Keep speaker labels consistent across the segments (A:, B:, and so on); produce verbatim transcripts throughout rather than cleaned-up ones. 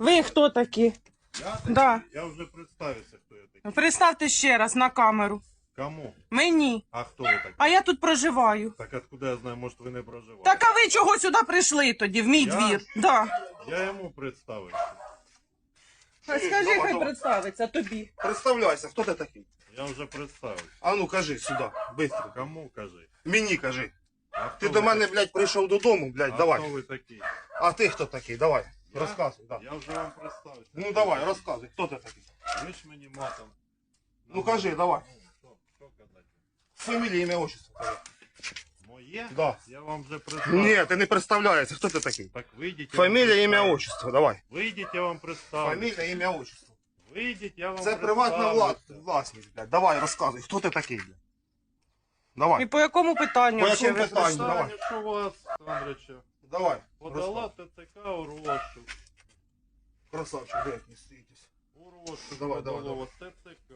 A: Ви хто такі?
B: Я, такий?
A: Да.
B: Я вже представився, хто я такий.
A: Представте ще раз на камеру.
B: Кому?
A: Мені.
B: А хто ви такий?
A: А я тут проживаю.
B: Так откуда я знаю, може ви не проживаєте?
A: Так а ви чого сюди прийшли тоді, в мій
B: Я?
A: двір? Да.
B: Я йому представився.
A: Скажи,
C: давай,
A: хай
C: давай.
A: представиться тобі.
C: Представляйся, хто ти такий?
B: Я вже представився.
C: А ну кажи сюди, швидко.
B: Кому кажи?
C: Мені кажи.
B: А хто
C: Ти
B: ви
C: до мене,
B: такий?
C: блядь, прийшов додому, блядь,
B: А
C: давай.
B: хто ви такий?
C: А ти хто такий? Давай.
B: Я?
C: Розказуй, да.
B: Я вже вам представився.
C: Ну давай, розказуй, хто ти такий?
B: Ви ж мені матом.
C: Ну кажи, давай.
B: Ну, що, що казати?
C: Фамілія, ім'я, отчество. кажи.
B: Моє?
C: Да.
B: Я вам вже представився.
C: Ні, ти не представляєшся, хто ти такий?
B: Так вийдіть. я вам
C: Фамілія, ім'я,
B: представлю.
C: отчество, давай.
B: Вийдіть, я вам представлю.
C: Фамілія, ім'я, отчество.
B: Вийдіть, я вам
C: Це приватна
B: представлюся.
C: вла- власність, блядь. Давай, розказуй, хто ти такий, блядь.
A: І
C: Давай,
A: по якому питанню?
C: По
A: ще
C: якому
A: ви
C: питанню?
A: прийшли?
C: Давай.
B: Питання, що вас, Андрича,
C: давай.
B: подала
C: Розказуй.
B: ТЦК у розшук.
C: Красавчик, блядь, не стоїтесь.
B: У розшук
C: Давай, давай,
B: подало ТЦК.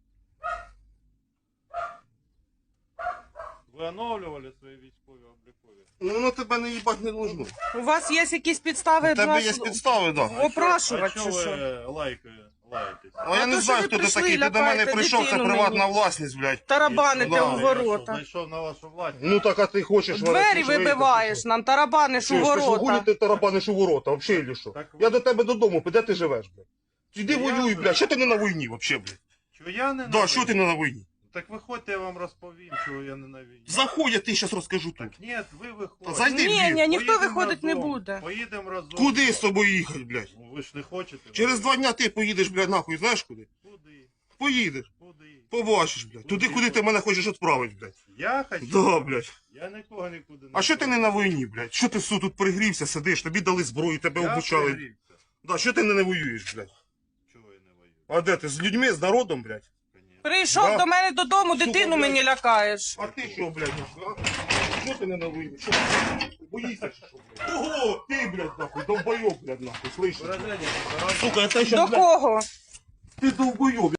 B: Ви оновлювали свої військові облікові?
C: Ну, ну тебе не їбать не должно.
A: У вас є якісь підстави
C: У тебе
A: нас
C: є підстави, да.
A: опрашувати,
B: А
A: чи
B: чого
A: що?
B: ви лайкає, лаєтесь?
C: А я
A: А
C: не
A: то,
C: знаю,
A: що ви
C: хто ти
A: прийшли,
C: такий. Ти до мене
A: лякаєте
C: прийшов, це
A: дитину
C: приватна
A: мені.
C: власність, блядь.
A: Тарабаните
C: Да.
A: у
B: Я
A: ворота.
B: знайшов на вашу власність.
C: Ну так а ти хочеш...
A: Двері
C: варити, що
A: вибиваєш
C: вийти,
A: нам, тарабаниш
C: що?
A: у
C: Ти ж
A: ворота.
C: гулі ти тарабаниш у ворота, взагалі, чи що?
B: Так ви-
C: Я до тебе додому, де ти живеш, блядь? Іди
B: Я
C: воюй,
B: живу.
C: блядь, що ти не на війні, взагалі, блядь?
B: Чого я не
C: Да,
B: на
C: що ти
B: війні?
C: не на війні?
B: Так виходьте, я вам розповім, чого я не на війні.
C: Заходь, я ти зараз розкажу тут.
B: Так ні, ви
C: Та
B: виходите.
C: зайди в
A: Ні,
C: двір.
A: ні, ніхто
B: Поїдемо
A: виходить не
B: разом.
A: буде.
B: Поїдемо разом.
C: Куди з тобою їхати, блядь?
B: Ну, ви ж не хочете.
C: Через два дня ти поїдеш, блядь, нахуй, знаєш куди?
B: Куди?
C: Поїдеш.
B: Куди?
C: Побачиш, блядь. Туди, куди ти мене хочеш відправити, блядь.
B: Я хочу.
C: Да, блядь.
B: Я нікого нікуди не
C: А що ти не на війні, блядь? Що ти су тут пригрівся, сидиш, тобі дали зброю, тебе
B: Я
C: обучали.
B: пригрівся.
C: Да, що ти не, не воюєш, блядь?
B: Чого я не воюю?
C: А де ти? З людьми, з народом, блядь?
B: Конечно.
A: Прийшов
C: Да.
A: до мене додому,
C: Сука,
A: дитину
C: блядь.
A: мені лякаєш.
C: А ти що, блядь, нахуй, а? Що ти не на війні? Що? Боїшся, чи що, блядь? Ого, ти, блядь, нахуй, долбойоб, блядь, нахуй, слышиш?
B: Выражение,
C: Сука, это
A: До
C: сейчас, блядь,
A: кого?
C: ты долбоеб.